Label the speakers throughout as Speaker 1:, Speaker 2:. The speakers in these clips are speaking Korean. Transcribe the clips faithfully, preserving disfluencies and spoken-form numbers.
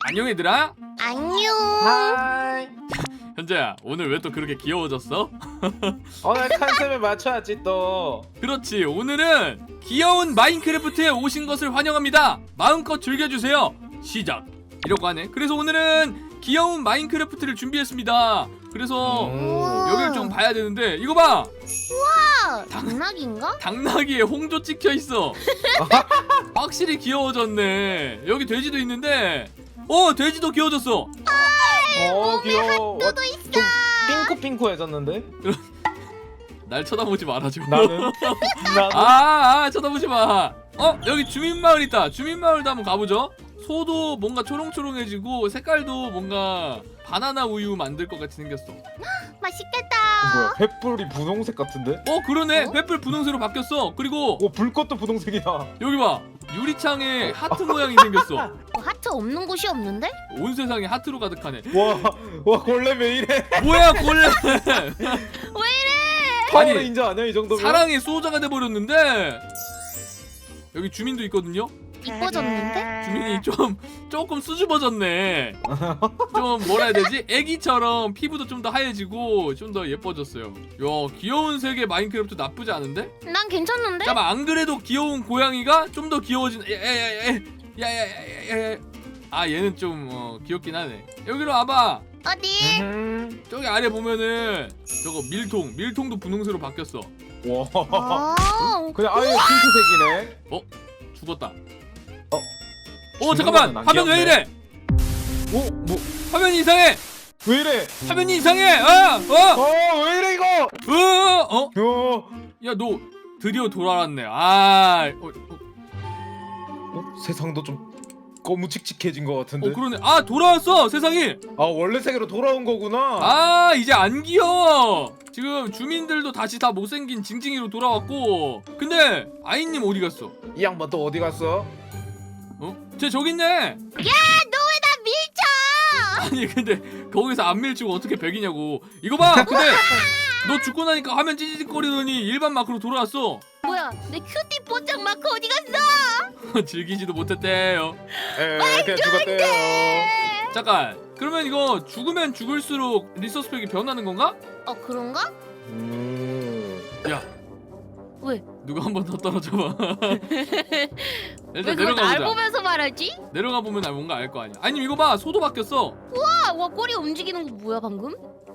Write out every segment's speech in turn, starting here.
Speaker 1: 안녕 얘들아.
Speaker 2: 안녕.
Speaker 3: 하이.
Speaker 1: 현재야, 오늘 왜 또 그렇게 귀여워졌어?
Speaker 3: 오늘 컨셉에 맞춰야지 또.
Speaker 1: 그렇지, 오늘은 귀여운 마인크래프트에 오신 것을 환영합니다. 마음껏 즐겨주세요. 시작. 이러고 하네. 그래서 오늘은 귀여운 마인크래프트를 준비했습니다. 그래서
Speaker 3: 음.
Speaker 1: 여기를 좀 봐야 되는데 이거 봐.
Speaker 2: 아, 당나귀인가?
Speaker 1: 당나귀에 홍조 찍혀 있어. 확실히 귀여워졌네. 여기 돼지도 있는데, 어 돼지도 귀여워졌어.
Speaker 3: 어 귀여워.
Speaker 2: 너도 있어.
Speaker 3: 좀 핑크핑크해졌는데?
Speaker 1: 날 쳐다보지 말아줘.
Speaker 3: 나는 나는
Speaker 1: 아, 아 쳐다보지 마. 어 여기 주민마을 있다. 주민마을도 한번 가보죠. 소도 뭔가 초롱초롱해지고 색깔도 뭔가 바나나 우유 만들 것 같이 생겼어.
Speaker 2: 맛있겠다.
Speaker 3: 뭐야? 횃불이 분홍색 같은데?
Speaker 1: 어 그러네.
Speaker 2: 어?
Speaker 1: 횃불 분홍색으로 바뀌었어. 그리고
Speaker 3: 오 불꽃도 분홍색이야.
Speaker 1: 여기 봐. 유리창에 하트 모양이 생겼어.
Speaker 2: 뭐 하트 없는 곳이 없는데?
Speaker 1: 온 세상이 하트로 가득하네.
Speaker 3: 와와 골렘 왜 이래?
Speaker 1: 뭐야 골렘.
Speaker 2: 왜 이래?
Speaker 3: 파워레인저 아니야 이 정도면?
Speaker 1: 사랑의 수호자가 돼버렸는데 여기 주민도 있거든요.
Speaker 2: 이뻐졌는데?
Speaker 1: 주민이 좀 조금 수줍어졌네. 좀 뭐라 해야 되지? 애기처럼 피부도 좀 더 하얘지고 좀 더 예뻐졌어요. 야 귀여운 세계 마인크래프트 나쁘지 않은데?
Speaker 2: 난 괜찮은데?
Speaker 1: 잠깐 안 그래도 귀여운 고양이가 좀 더 귀여워진. 야야야야야야야야. 아 얘는 좀 어, 귀엽긴 하네. 여기로 와봐.
Speaker 2: 어디?
Speaker 3: 음.
Speaker 1: 저기 아래 보면은 저거 밀통 밀통도 분홍색으로 바뀌었어.
Speaker 3: 와.
Speaker 2: 아,
Speaker 3: 그냥 아예 핑크색이네.
Speaker 1: 어? 죽었다.
Speaker 3: 어?
Speaker 1: 어
Speaker 3: 죽는
Speaker 1: 잠깐만
Speaker 3: 거는 안
Speaker 1: 화면 왜
Speaker 3: 귀엽네.
Speaker 1: 이래?
Speaker 3: 오 뭐?
Speaker 1: 화면이 이상해.
Speaker 3: 왜 이래?
Speaker 1: 화면이 이상해. 아! 어!
Speaker 3: 어 왜 이래 이거?
Speaker 1: 어! 어?
Speaker 3: 어.
Speaker 1: 야 너 드디어 돌아왔네. 아, 어, 어,
Speaker 3: 어? 세상도 좀 거무칙칙해진 것 같은데.
Speaker 1: 어 그러네. 아 돌아왔어 세상이.
Speaker 3: 아 원래 세계로 돌아온 거구나.
Speaker 1: 아 이제 안 귀여워. 지금 주민들도 다시 다 못생긴 징징이로 돌아왔고. 근데 아이님 어디 갔어?
Speaker 3: 이 양반 또 어디 갔어?
Speaker 1: 어? 쟤 저기 있네.
Speaker 2: 야, 너 왜 나 밀쳐?
Speaker 1: 아니 근데 거기서 안 밀치고 어떻게 백이냐고. 이거 봐. 근데 너 죽고 나니까 화면 찌릿거리더니 일반 마크로 돌아왔어.
Speaker 2: 뭐야, 내 큐티 포장 마크 어디 갔어?
Speaker 1: 즐기지도 못했대요.
Speaker 3: 에 그냥 죽었대요.
Speaker 1: 잠깐. 그러면 이거 죽으면 죽을수록 리소스 팩이 변하는 건가?
Speaker 2: 어, 그런가?
Speaker 3: 음.
Speaker 1: 야
Speaker 2: 왜?
Speaker 1: 누가 한 번 더 떨어져봐.
Speaker 2: 왜
Speaker 1: 일단
Speaker 2: 그걸
Speaker 1: 내려가
Speaker 2: 날
Speaker 1: 보자.
Speaker 2: 보면서 말하지?
Speaker 1: 내려가 보면 나 뭔가 알 거 아니야. 아니 이거 봐 소도 바뀌었어.
Speaker 2: 와, 와, 꼬리 움직이는 거 뭐야 방금?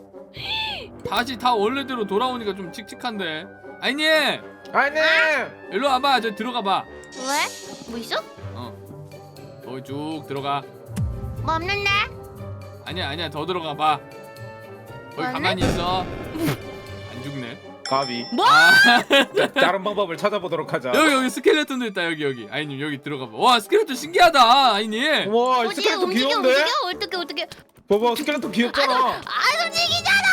Speaker 1: 다시 다 원래대로 돌아오니까 좀 칙칙한데. 아니
Speaker 3: 아니.
Speaker 1: 일로 와봐. 저 들어가 봐.
Speaker 2: 왜? 뭐 있어?
Speaker 1: 어 거기 쭉 들어가.
Speaker 2: 뭐 없는데?
Speaker 1: 아니야 아니야 더 들어가 봐. 거기
Speaker 2: 뭐하네?
Speaker 1: 가만히 있어. 안 죽네.
Speaker 3: 가비.
Speaker 2: 뭐?
Speaker 1: 아,
Speaker 3: 다른 방법을 찾아보도록 하자.
Speaker 1: 여기 여기 스켈레톤도 있다. 여기 여기 아이님 여기 들어가 봐. 와 스켈레톤 신기하다 아이님.
Speaker 3: 와
Speaker 2: 어디
Speaker 3: 스켈레톤
Speaker 2: 움직여
Speaker 3: 귀여운데?
Speaker 2: 움직여? 어떻게 어떻게?
Speaker 3: 봐봐 스켈레톤 귀엽잖아.
Speaker 2: 안 움직이잖아.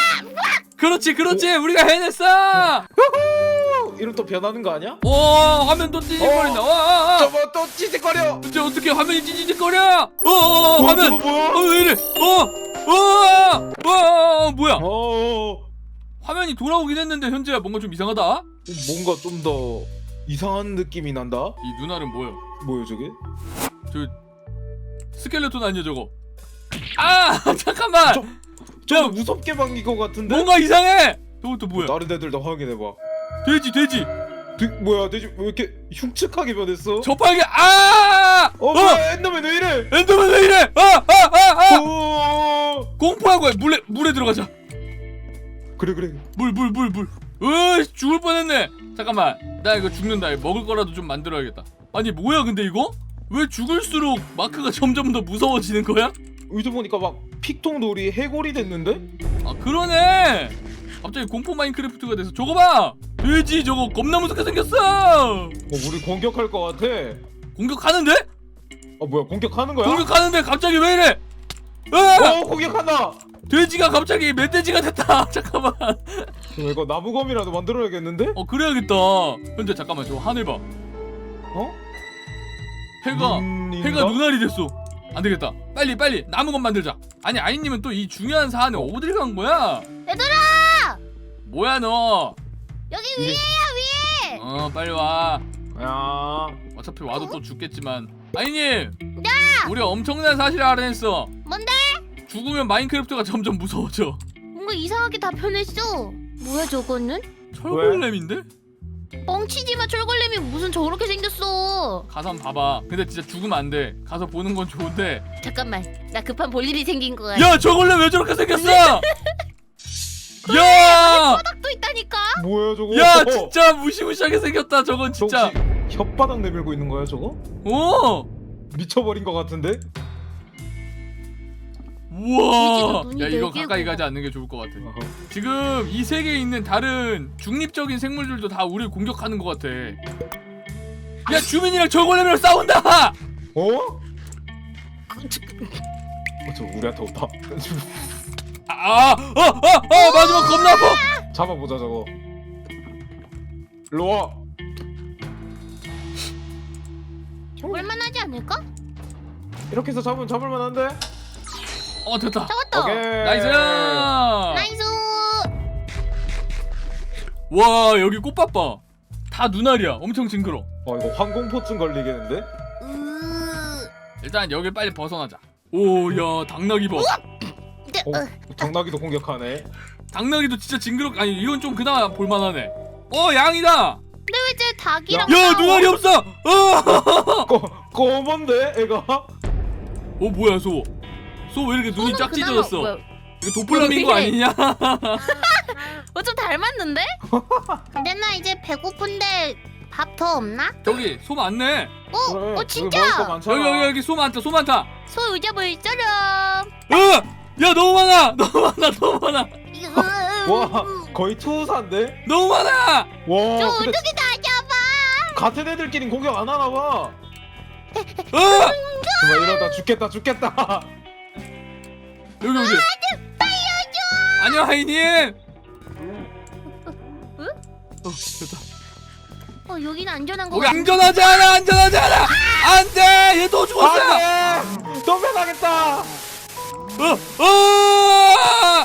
Speaker 1: 그렇지 그렇지 우리가 해냈어.
Speaker 3: 후! 이러면 또 변하는 거 아니야?
Speaker 1: 오 화면 또 찌직거린다.
Speaker 3: 어.
Speaker 1: 와, 와, 와.
Speaker 3: 저거 또 찌직거려.
Speaker 1: 이제 어떻게 화면이 찌직거려? 어, 어, 어
Speaker 3: 어,
Speaker 1: 화면.
Speaker 3: 저거 뭐야?
Speaker 1: 어, 왜 이래? 어, 어, 어, 어, 뭐야?
Speaker 3: 어.
Speaker 1: 화면이 돌아오긴 했는데 현재야 뭔가 좀 이상하다.
Speaker 3: 뭔가 좀 더 이상한 느낌이 난다.
Speaker 1: 이 누나는 뭐야?
Speaker 3: 뭐야 저게?
Speaker 1: 저 스켈레톤 아니야 저거? 아 잠깐만.
Speaker 3: 저- 좀 무섭게 방긴 것 같은데?
Speaker 1: 뭔가 이상해. 저것도 뭐야?
Speaker 3: 다른 애들 다 확인해봐.
Speaker 1: 돼지 돼지.
Speaker 3: 돼, 뭐야 돼지 왜 이렇게 흉측하게 변했어?
Speaker 1: 저팔계. 아!
Speaker 3: 어, 뭐야 엔더맨 왜 이래?
Speaker 1: 엔더맨 왜 이래? 아, 아, 아, 아!
Speaker 3: 오.
Speaker 1: 공포하고 해. 물에 물에 들어가자.
Speaker 3: 그래 그래.
Speaker 1: 물 물 물 물. 으 죽을 뻔했네. 잠깐만 나 이거 죽는다. 이거 먹을 거라도 좀 만들어야겠다. 아니 뭐야 근데 이거? 왜 죽을수록 마크가 점점 더 무서워지는 거야?
Speaker 3: 의도 보니까 막 픽통놀이 해골이 됐는데?
Speaker 1: 아 그러네. 갑자기 공포 마인크래프트가 돼서 저거 봐. 돼지 저거 겁나 무섭게 생겼어.
Speaker 3: 어 우리 공격할 것 같아.
Speaker 1: 공격하는데?
Speaker 3: 어 뭐야 공격하는 거야?
Speaker 1: 공격하는데 갑자기 왜 이래? 으아!
Speaker 3: 어 공격한다.
Speaker 1: 돼지가 갑자기 멧돼지가 됐다. 잠깐만.
Speaker 3: 그럼 이거 나무검이라도 만들어야겠는데?
Speaker 1: 어 그래야겠다. 현재 잠깐만 저 하늘 봐.
Speaker 3: 어?
Speaker 1: 해가
Speaker 3: 눈인가?
Speaker 1: 해가 눈알이 됐어. 안 되겠다. 빨리 빨리 나무건 만들자. 아니 아이님은 또 이 중요한 사안에 어딜 간 거야?
Speaker 2: 얘들아,
Speaker 1: 뭐야 너?
Speaker 2: 여기
Speaker 3: 이게-
Speaker 2: 위에야 위에.
Speaker 1: 어 빨리 와.
Speaker 3: 야.
Speaker 1: 어차피 와도 또 죽겠지만. 아이님.
Speaker 2: 야,
Speaker 1: 우리 엄청난 사실을 알아냈어.
Speaker 2: 뭔데?
Speaker 1: 죽으면 마인크래프트가 점점 무서워져.
Speaker 2: 뭔가 이상하게 다 변했어. 뭐야 저거는?
Speaker 1: 철골렘인데?
Speaker 2: 뻥치지마. 철골렘이 무슨 저렇게 생겼어.
Speaker 1: 가서 한번 봐봐. 근데 진짜 죽으면 안 돼. 가서 보는 건 좋은데.
Speaker 2: 잠깐만, 나 급한 볼 일이 생긴 거 같아.
Speaker 1: 야, 저골렘 왜 저렇게 생겼어? 야!
Speaker 2: 바닥도 있다니까.
Speaker 3: 뭐야 저거?
Speaker 1: 야, 진짜 무시무시하게 생겼다. 저건 진짜.
Speaker 3: 저 혹시 혓바닥 내밀고 있는 거야 저거?
Speaker 1: 오!
Speaker 3: 미쳐버린 것 같은데?
Speaker 1: 우와!
Speaker 2: 눈이
Speaker 1: 야, 이거
Speaker 2: 네 개고.
Speaker 1: 가까이 가지 않는 게 좋을 것 같아. 지금 이 세계에 있는 다른 중립적인 생물들도 다 우리를 공격하는 것 같아. 야, 주민이랑 저골렘이랑 싸운다!
Speaker 3: 어? 어, 저 우리한테 온다.
Speaker 1: 아, 아, 아, 아, 아, 마지막 겁나 아파!
Speaker 3: 잡아보자 저거. 일로 와.
Speaker 2: 볼만하지 않을까?
Speaker 3: 이렇게 해서 잡으면 잡을만한데?
Speaker 1: 어, 됐다.
Speaker 2: 잡았다.
Speaker 3: 오케이.
Speaker 1: 나이스!
Speaker 2: 나이스.
Speaker 1: 와, 여기 꽃밭 봐. 다 눈알이야. 엄청 징그러.
Speaker 3: 어 이거 항공포증 걸리겠는데?
Speaker 2: 으...
Speaker 1: 일단 여길 빨리 벗어나자. 오, 야, 당나귀 봐.
Speaker 2: 네,
Speaker 3: 어?
Speaker 2: 어.
Speaker 3: 당나귀도 공격하네.
Speaker 1: 당나귀도 진짜 징그럽. 아니, 이건 좀 그나마 볼만하네. 어, 양이다.
Speaker 2: 근데 왜 쟤 닭이랑
Speaker 1: 야,
Speaker 2: 싸워?
Speaker 1: 눈알이 없어. 어,
Speaker 3: 꼬 꼬먼데 애가?
Speaker 1: 어, 뭐야, 소? 소 왜 이렇게 눈이
Speaker 2: 소는
Speaker 1: 짝
Speaker 2: 그나마
Speaker 1: 찢어졌어?
Speaker 2: 뭐야?
Speaker 1: 이거 도플라밍고
Speaker 2: 왜 이래?
Speaker 1: 아니냐?
Speaker 2: 어, 좀 닮았는데? 근데 나 이제 배고픈데 밥 더 없나?
Speaker 1: 저기 소 많네.
Speaker 2: 어?
Speaker 3: 그래,
Speaker 2: 어
Speaker 3: 여기
Speaker 2: 진짜?
Speaker 3: 먹을 거 많잖아.
Speaker 1: 여기 여기 여기 소 많다. 소 많다.
Speaker 2: 소 의자물처럼.
Speaker 1: 으! 야, 너무 많아. 너무 많아. 너무 많아.
Speaker 3: 와 거의 투사인데?
Speaker 1: 너무 많아.
Speaker 3: 와
Speaker 2: 저
Speaker 3: 근데
Speaker 2: 어떻게 다 잡아?
Speaker 3: 같은 애들끼리 공격 안 하나 봐.
Speaker 1: 으!
Speaker 3: 정말 이러다 죽겠다 죽겠다.
Speaker 1: 여기 여기. 안녕, 하이님.
Speaker 2: 응?
Speaker 1: 어, 됐다.
Speaker 2: 어 여기는 안전한 거
Speaker 1: 거기
Speaker 2: 같아.
Speaker 1: 안전하지 않아. 안전하지 않아. 안 돼. 얘 또 죽었어.
Speaker 3: 안돼. 또 변하겠다.
Speaker 1: 어! 어!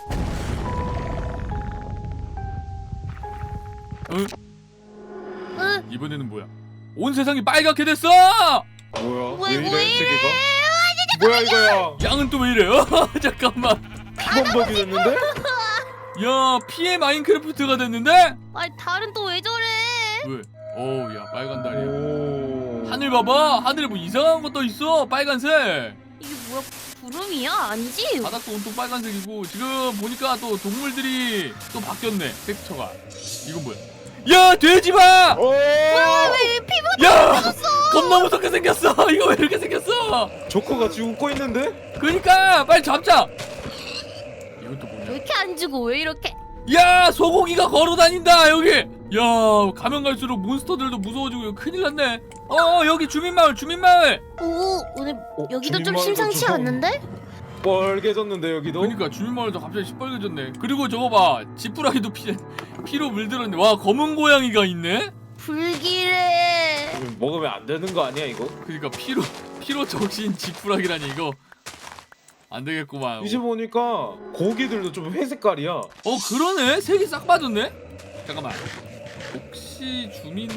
Speaker 1: 응?
Speaker 2: 으,
Speaker 1: 이번에는 뭐야? 온 세상이 빨갛게 됐어!
Speaker 3: 뭐야?
Speaker 2: 왜,
Speaker 3: 왜 이래
Speaker 2: 왜?
Speaker 3: 세계가? 뭐야 이거야?
Speaker 1: 양은 또 왜 이래? 어, 잠깐만.
Speaker 3: 피범벅이 됐는데?
Speaker 1: 야, 피해 마인크래프트가 됐는데?
Speaker 2: 아니 달은 또 왜 저래?
Speaker 1: 왜? 어우, 야, 빨간 달이야.
Speaker 3: 오.
Speaker 1: 하늘 봐봐. 하늘에 뭐 이상한 거 떠 있어. 빨간색.
Speaker 2: 이게 뭐야? 구름이야? 아니지?
Speaker 1: 바닥도 온통 빨간색이고 지금 보니까 또 동물들이 또 바뀌었네. 텍스처가. 이건 뭐야? 야, 돼지 봐!
Speaker 3: 오.
Speaker 2: 왜 피부
Speaker 1: 야! 겁나 무섭게 생겼어. 이거 왜 이렇게 생겼어?
Speaker 3: 조커가 지금 웃고 있는데?
Speaker 1: 그러니까 빨리 잡자. 이것도
Speaker 2: 왜
Speaker 1: 뭐냐?
Speaker 2: 이렇게 안 주고 왜 이렇게?
Speaker 1: 야, 소고기가 걸어다닌다 여기. 야, 가면 갈수록 몬스터들도 무서워지고 이거 큰일 났네. 어, 여기 주민마을 주민마을.
Speaker 2: 오 오늘
Speaker 3: 어,
Speaker 2: 여기도 좀
Speaker 3: 주민마을도
Speaker 2: 심상치
Speaker 3: 좀
Speaker 2: 않는데?
Speaker 3: 뻘개졌는데 여기도?
Speaker 1: 그러니까 주민마을도 갑자기 시뻘개졌네. 그리고 저거 봐, 지푸라기도 피 피로 물들었네. 와, 검은 고양이가 있네.
Speaker 2: 불길해.
Speaker 3: 이거 먹으면 안 되는 거 아니야 이거?
Speaker 1: 그러니까 피로 피로 적신 지푸라기라니 이거 안 되겠구만.
Speaker 3: 이제 보니까 고기들도 좀 회색깔이야.
Speaker 1: 어, 그러네. 색이 싹 빠졌네. 잠깐만. 혹시 주민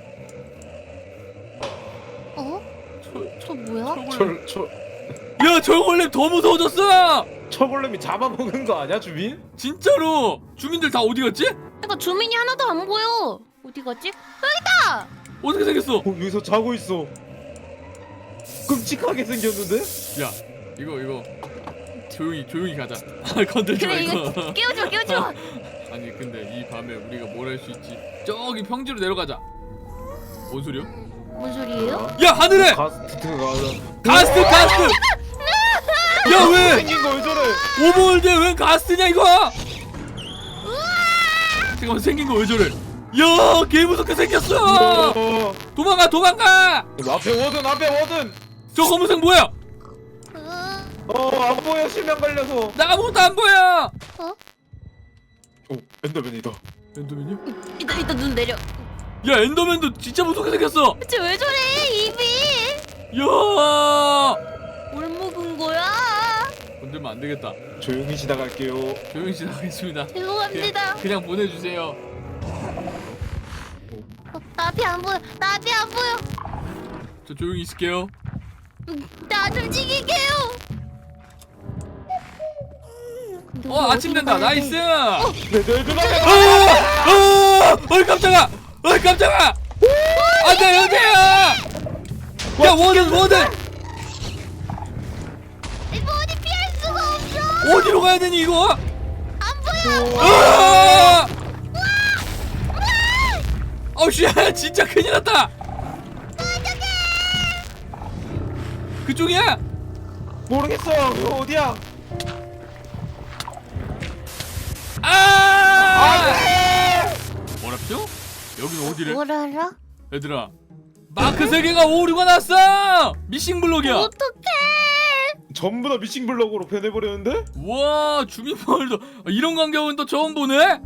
Speaker 2: 어?
Speaker 1: 철
Speaker 2: 저 뭐야?
Speaker 1: 철골렘.
Speaker 3: 철, 철,
Speaker 1: 야, 철골렘 더 무서워졌어.
Speaker 3: 철골렘이 잡아먹은 거 아니야 주민?
Speaker 1: 진짜로. 주민들 다 어디 갔지?
Speaker 2: 그러니까 주민이 하나도 안 보여. 어디 갔지? 여기다.
Speaker 1: 어떻게 생겼어?
Speaker 3: 어, 여기서 자고 있어. 끔찍하게 생겼는데?
Speaker 1: 야, 이거 이거 조용히 조용히 가자. 건들지
Speaker 2: 그래
Speaker 1: 말고.
Speaker 2: 이거 깨우지 마 깨우지 마.
Speaker 1: 아니 근데 이 밤에 우리가 뭘 할 수 있지? 저기 평지로 내려가자. 뭔 소리야?
Speaker 2: 뭔 소리예요?
Speaker 1: 야, 하늘에
Speaker 3: 가스트가
Speaker 1: 가스트 가스트. 야, 왜
Speaker 3: 생긴 거 왜 저래?
Speaker 1: 오버월드에 왜 가스트냐 이거? 잠깐만, 생긴 거 왜 저래? 야, 개 무섭게 생겼어.
Speaker 3: 어,
Speaker 1: 도망가 도망가.
Speaker 3: 앞에 워든 앞에 워든.
Speaker 1: 저 검은색 뭐야?
Speaker 2: 으,
Speaker 3: 어안 보여 실명 걸려서.
Speaker 1: 나 아무것도 안 보여.
Speaker 2: 어?
Speaker 3: 오 엔더맨이다.
Speaker 1: 엔더맨이야?
Speaker 2: 이따 이따 눈 내려.
Speaker 1: 야, 엔더맨도 진짜 무섭게 생겼어.
Speaker 2: 대체 왜 저래 입이?
Speaker 1: 야,
Speaker 2: 뭘 먹은 거야?
Speaker 1: 건들면 안 되겠다.
Speaker 3: 조용히 지나갈게요.
Speaker 1: 조용히 지나가겠습니다.
Speaker 2: 죄송합니다.
Speaker 1: 그냥, 그냥 보내주세요.
Speaker 2: 어, 나 앞이 안 보여. 나 앞이 안 보여.
Speaker 1: 저 조용히 있을게요.
Speaker 2: 나 좀 지키게요. 근데
Speaker 1: 어
Speaker 2: 우리
Speaker 1: 아침
Speaker 2: 어디로
Speaker 1: 된다.
Speaker 2: 가야 돼?
Speaker 1: 나이스.
Speaker 3: 내, 내 눈앞에
Speaker 1: 어, 어, 어이 깜짝아. 어이 깜짝아. 안돼 여기야. 야 워든 워든
Speaker 2: 이거 어디 피할 수가 없어.
Speaker 1: 어디로 가야 되니 이거?
Speaker 2: 안 보여.
Speaker 1: 아! 어우 씨 진짜 큰일 났다. 그쪽이야?
Speaker 3: 모르겠어. 이거 어디야?
Speaker 1: 아! 뭐랍죠? 여기는 어디래?
Speaker 2: 뭘 알아?
Speaker 1: 얘들아 마크 세 개가 오류가 났어. 미싱 블록이야.
Speaker 2: 어떡해.
Speaker 3: 전부 다 미싱 블럭으로 변해버렸는데?
Speaker 1: 와 주민마을도 이런 광경은 또 처음 보네.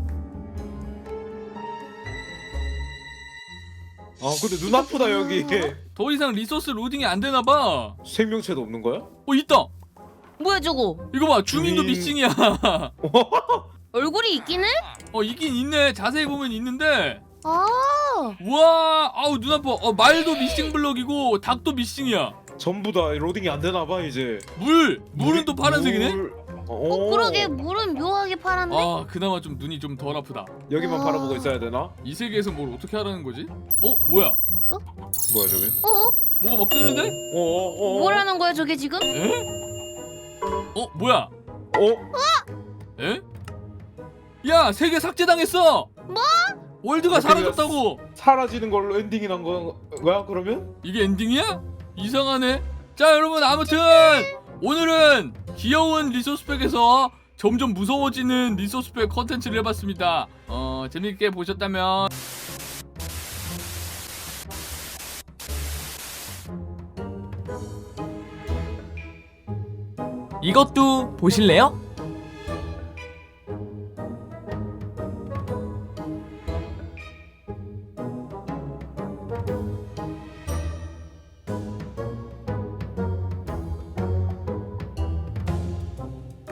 Speaker 3: 아 근데 눈 아프다 여기.
Speaker 1: 더 이상 리소스 로딩이 안 되나 봐.
Speaker 3: 생명체도 없는 거야?
Speaker 1: 어 있다.
Speaker 2: 뭐야 저거?
Speaker 1: 이거 봐 주민도
Speaker 3: 주민.
Speaker 1: 미싱이야.
Speaker 2: 얼굴이 있긴 해?
Speaker 1: 어 있긴 있네. 자세히 보면 있는데.
Speaker 2: 아.
Speaker 1: 우와 아우 눈 아파. 어 말도 미싱 블럭이고 닭도 미싱이야.
Speaker 3: 전부 다 로딩이 안 되나 봐 이제.
Speaker 1: 물 물은
Speaker 3: 물이-
Speaker 1: 또 파란색이네.
Speaker 3: 물-
Speaker 2: 어
Speaker 3: 어,
Speaker 2: 그러게 물은 묘하게 파란데?
Speaker 1: 아 그나마 좀 눈이 좀 덜 아프다.
Speaker 3: 여기만
Speaker 2: 아.
Speaker 3: 바라보고 있어야 되나?
Speaker 1: 이 세계에서 뭘 어떻게 하라는 거지? 어 뭐야?
Speaker 3: 뭐야 저게?
Speaker 2: 어?
Speaker 1: 뭐가 막 뜨는데?
Speaker 3: 어어어.
Speaker 2: 뭐라는 거야 저게 지금?
Speaker 1: 에? 어 뭐야?
Speaker 3: 어?
Speaker 1: 에? 야 세계 삭제당했어.
Speaker 2: 뭐?
Speaker 1: 월드가 사라졌다고.
Speaker 3: 사라지는 걸로 엔딩이 난 거야 그러면?
Speaker 1: 이게 엔딩이야? 이상하네. 자 여러분 아무튼 오늘은 귀여운 리소스팩에서 점점 무서워지는 리소스팩 컨텐츠를 해봤습니다. 어 재밌게 보셨다면
Speaker 4: 이것도 보실래요?